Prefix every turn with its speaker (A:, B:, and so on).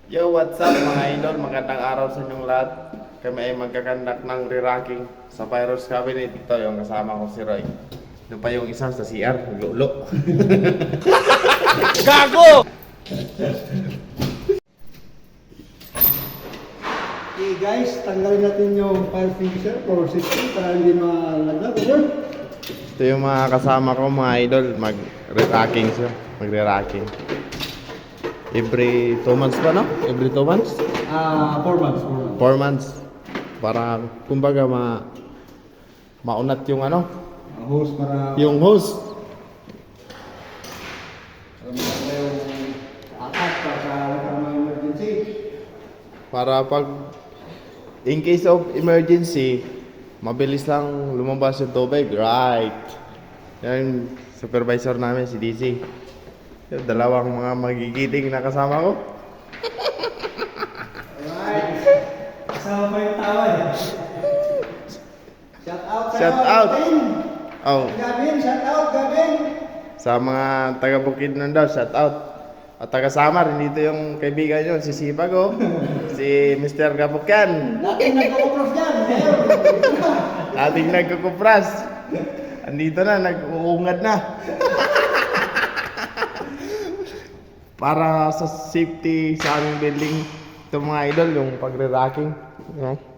A: Yo, what's up mga idol? Magandang araw sa inyong lahat. Kami ay magkakandak ng re-racking sa Pyros Cabinet. Ito yung kasama ko si Roy. Ito pa yung isa sa CR, lulo. Gago!
B: Okay guys, tanggalin natin yung fire fixer for safety para hindi malaglag. Over.
A: Ito yung mga kasama ko mga idol. Mag-re-racking siya. Magre-racking. Every 2 months pa, no? Every 2 months?
B: 4 months.
A: 4 months. Para, kumbaga, maunat yung ano?
B: Hose para...
A: Yung hose.
B: Para yung akat para mga emergency.
A: Para pag in case of emergency, mabilis lang lumabas yung tubig. Right. Yan supervisor namin si DC. Yung dalawang mga magigiting na kasama ko.
B: Alright. Kasama pa yung tawa eh. Shout out sa'yo,
A: Shout out.
B: Gavin.
A: Oh,
B: Gavin, shout out Gavin.
A: sa mga taga Bukidnon daw, shout out. At taga Samar, dito yung kaibigan nyo, si Sipag oh. Si Mr. Gapukyan.
B: Dating nagkakapros dyan. Ngayon.
A: Ating nagkukupras. Andito na, nag-uungad na. Para sa safety sa aming building, ito mga idol, yung pagre-racking. You know?